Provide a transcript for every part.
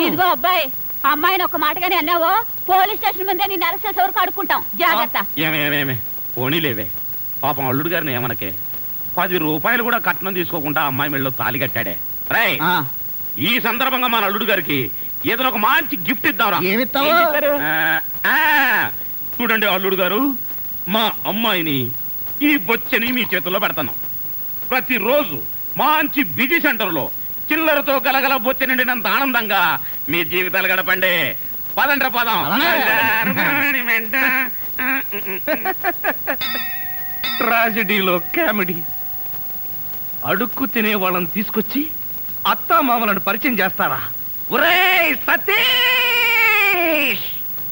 ఇదిగో అబ్బాయి, అమ్మాయిని ఒక మాటగానే అన్నావో పోలీస్ స్టేషన్ ముందే నేను అరెస్ట్ చేసే వరకు అడుక్కుంటాం. జాగ్రత్త. ఏమేమేమే పోనీలేవే, పాపం అల్లుడు గారిని ఏమనకే. 10 రూపాయలు కూడా కట్నం తీసుకోకుండా అమ్మాయి మెళ్ళలో తాళి కట్టాడే. రై, ఈ సందర్భంగా మన అల్లుడు గారికి ఏదైనా ఒక మంచి గిఫ్ట్ ఇద్దాంరా. ఏమిస్తావు? చూడండి అల్లుడు గారు, మా అమ్మాయిని ఈ బొచ్చని మీ చేతుల్లో పెడతాను. ప్రతిరోజు మంచి బిజీ సెంటర్లో చిల్లరతో గలగల బొచ్చ నిండినంత ఆనందంగా మీ జీవితాలు గడపండి. పదండ్ర పదం. ట్రాజడీలో కామెడీ. అడుక్కు తినే వాళ్ళని తీసుకొచ్చి అత్తా మామలను పరిచయం చేస్తారా? ఒరేయ్ సతీష్!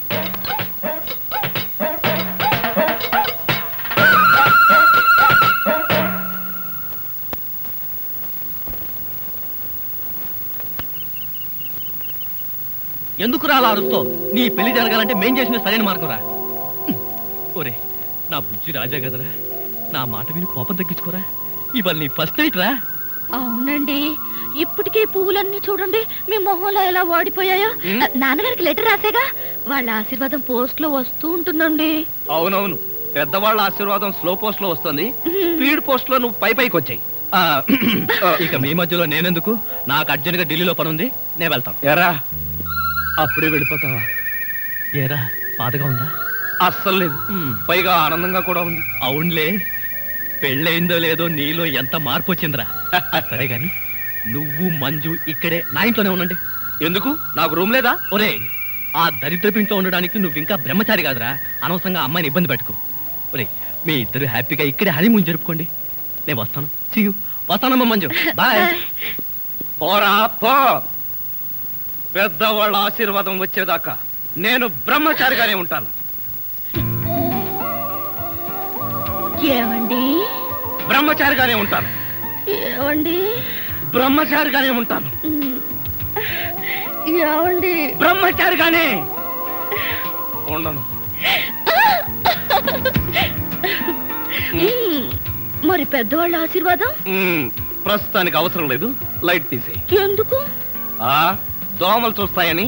ఎందుకు రాలా అరుస్తో? నీ పెళ్లి జరగాలంటే మేం చేసిన సరైన మార్గం రా. ఒరే నా బుజ్జి రాజా కదరా, నా మాట విని కోపం తగ్గించుకోరా. ఇవాళ నీ ఫస్ట్ నైట్ రా. అవునండి, ఇప్పటికే పువ్వులన్నీ చూడండి మీ మొహంలో ఎలా వాడిపోయాయో. నాన్నగారికి లెటర్ రాసేగా, వాళ్ళ ఆశీర్వాదం పోస్ట్ లో వస్తూ ఉంటుందండి. అవునవును, పెద్దవాళ్ళ ఆశీర్వాదం స్లో పోస్ట్ లో వస్తుంది, స్పీడ్ పోస్ట్ లో నువ్వు పైకి వచ్చాయి. ఇక మీ మధ్యలో నేనెందుకు? నాకు అర్జెంట్ గా ఢిల్లీలో పని ఉంది, నేను వెళ్తాను. ఎరా అప్పుడే వెళ్ళిపోతావా? ఏరా బాధగా ఉందా? అస్సలు లేదు, పైగా ఆనందంగా కూడా ఉంది. అవునులే, పెళ్ళయిందో లేదో నీలో ఎంత మార్పు వచ్చిందిరా. సరే గాని నువ్వు మంజు ఇక్కడే నా ఇంట్లోనే ఉండండి. ఎందుకు? నాకు రూమ్ లేదా? ఒరే, ఆ దరిద్రపు ఇంట్లో ఉండడానికి నువ్వు ఇంకా బ్రహ్మచారి కాదురా. అనవసరంగా అమ్మాయిని ఇబ్బంది పెట్టుకో. ఒరే, మీ ఇద్దరు హ్యాపీగా ఇక్కడే హనీమూన్ జరుపుకోండి. నేను వస్తాను. See you. వస్తానమ్మా మంజు, బాయ్. పోరా పో. పెద్దవాళ్ళ ఆశీర్వాదం వచ్చేదాకా నేను బ్రహ్మచారిగానే ఉంటాను. ఏమండి? బ్రహ్మచారిగానే ఉంటాను. ఏమండి? బ్రహ్మచారిగానే ఉంటాను. ఏమండి? బ్రహ్మచారిగానే ఉండను. మరి పెద్దవాళ్ళ ఆశీర్వాదం? ప్రస్తుతానికి అవసరం లేదు, లైట్ తీసే. ఎందుకు? దోమలు చూస్తాయని.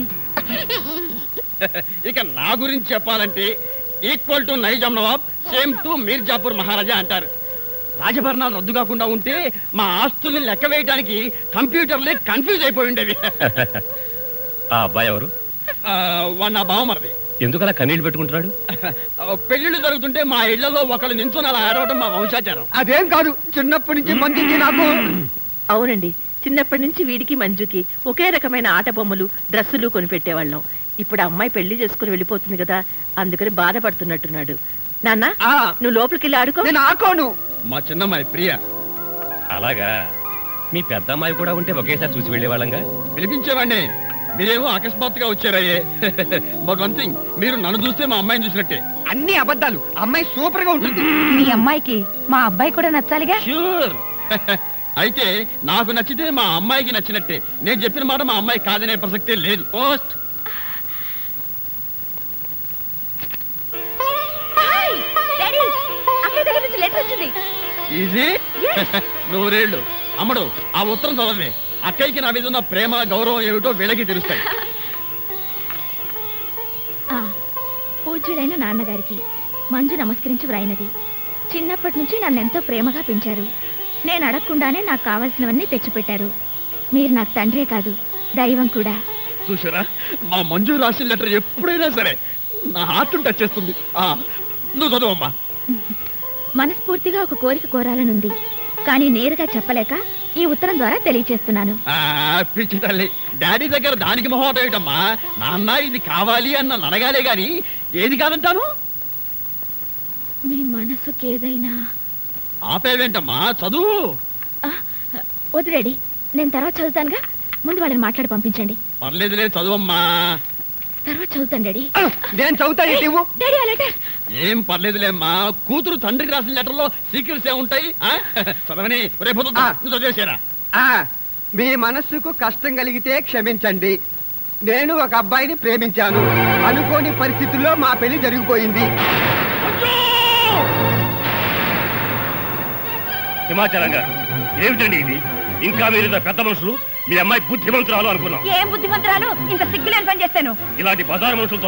ఇక నా గురించి చెప్పాలంటే ఈక్వల్ టు నైజాం నవాబ్, సేమ్ టు మీర్జాపూర్ మహారాజా అంటారు. రాజభరణాలు రద్దు కాకుండా ఉంటే మా ఆస్తుల్ని లెక్క వేయడానికి కంప్యూటర్లే కన్ఫ్యూజ్ అయిపోయి ఉండేవి. ఆ అబ్బాయి ఎవరు? వాడు నా బావమరిది. ఎందుకలా కన్నీళ్ళు పెట్టుకుంటున్నాడు? పెళ్లిళ్ళు జరుగుతుంటే మా ఇళ్లలో ఒకళ్ళు నించుని అలా ఆడవడం మా వంశాచారం. అదేం కాదు, చిన్నప్పటి నుంచి మంచిది నాకు. అవునండి, చిన్నప్పటి నుంచి వీడికి మంజుకి ఒకే రకమైన ఆట బొమ్మలు డ్రెస్సులు కొనిపెట్టేవాళ్ళం. ఇప్పుడు అమ్మాయి పెళ్లి చేసుకుని వెళ్ళిపోతుంది కదా, అందుకని బాధపడుతున్నట్టున్నాడు. నాన్న, నువ్వు లోపలికి వెళ్ళి ఆడుకో. నేను ఆడుకోను. మా చిన్నమ్మాయి ప్రియ. అలాగా? మీ పెద్ద అమ్మాయి కూడా ఉంటే ఒకేసారి చూసి వెళ్ళేవాళ్ళంగా. పిలిపించేవాడిని, మీరేమో అకస్మాత్తుగా వచ్చారయ్యే. బట్ వన్ థింగ్, మీరు నన్ను చూస్తే మా అమ్మాయిని చూసినట్టే. అన్ని అబద్ధాలు. అమ్మాయి సూపర్ గా ఉంటుంది. మీ అమ్మాయికి మా అబ్బాయి కూడా నచ్చాలిగా. ష్యూర్. అయితే నాకు నచ్చితే మా అమ్మాయికి నచ్చినట్టే. నేను చెప్పిన మాట మా అమ్మాయి కాదనే ప్రసక్తే లేదు. పోస్ట్. ఈజీ. నూరేళ్ళు. అమ్మడు, ఆ ఉత్తరం చదవే. అక్కయ్యకి నా మీద ఉన్న ప్రేమ గౌరవం ఏమిటో వీళ్ళకి తెలుస్తాయి. పూజ్యుడైన నాన్నగారికి మంజు నమస్కరించి వ్రాయినది. చిన్నప్పటి నుంచి నన్నెంతో ప్రేమగా పెంచారు. నేను అడగకుండానే నాకు కావాల్సినవన్నీ తెచ్చిపెట్టారు. మీరు నాకు తండ్రే కాదు, దైవం కూడా. చూసారా, మా మంజు రాసిన లెటర్ ఎప్పుడైనా సరే నా హార్ట్ టచ్ చేస్తుంది. నువ్వు చదువమ్మా. మనస్ఫూర్తిగా ఒక కోరిక కోరాలనుంది, కానీ నేరుగా చెప్పలేక ఈ ఉత్తరం ద్వారా తెలియచేస్తున్నాను. పిచ్చి తల్లి, డాడీ దగ్గర దానికి మొహమాట ఏమిటమ్మా? నాన్న ఇది కావాలి అన్న అనగాలే గాని ఏది కాదంటాను. మీ మనసుకి ఏదైనా. ఆపేవేంటమ్మా, చదువు. వద్దు డాడీ, నేను తర్వాత చదువుతానుగా. ముందు వాళ్ళని మాట్లాడి పంపించండి. పర్లేదు లేదు, చదువమ్మా. తర్వాత చదువుతాను డాడీ. నేను చదువుతాను. డాడీ ఆ లెటర్. ఏం పర్లేదులేమ్మా, కూతురు తండ్రికి రాసిన లెటర్ లో సీక్రెట్స్ ఏముంటాయి? చదవని రేపు చదివేసారా? మీ మనస్సుకు కష్టం కలిగితే క్షమించండి. నేను ఒక అబ్బాయిని ప్రేమించాను. అనుకోని పరిస్థితుల్లో మా పెళ్లి జరిగిపోయింది. హిమాచలం గారు, ఏమిటండి ఇది? ఇంకా మీరు పెద్ద మనుషులు, మీ అమ్మాయి బుద్ధిమంతురాలు అనుకున్నాం. ఏం బుద్ధిమంతురాలు? ఇంత సిగ్గులేని పని చేస్తాను. ఇలాంటి బజారు మనుషులతో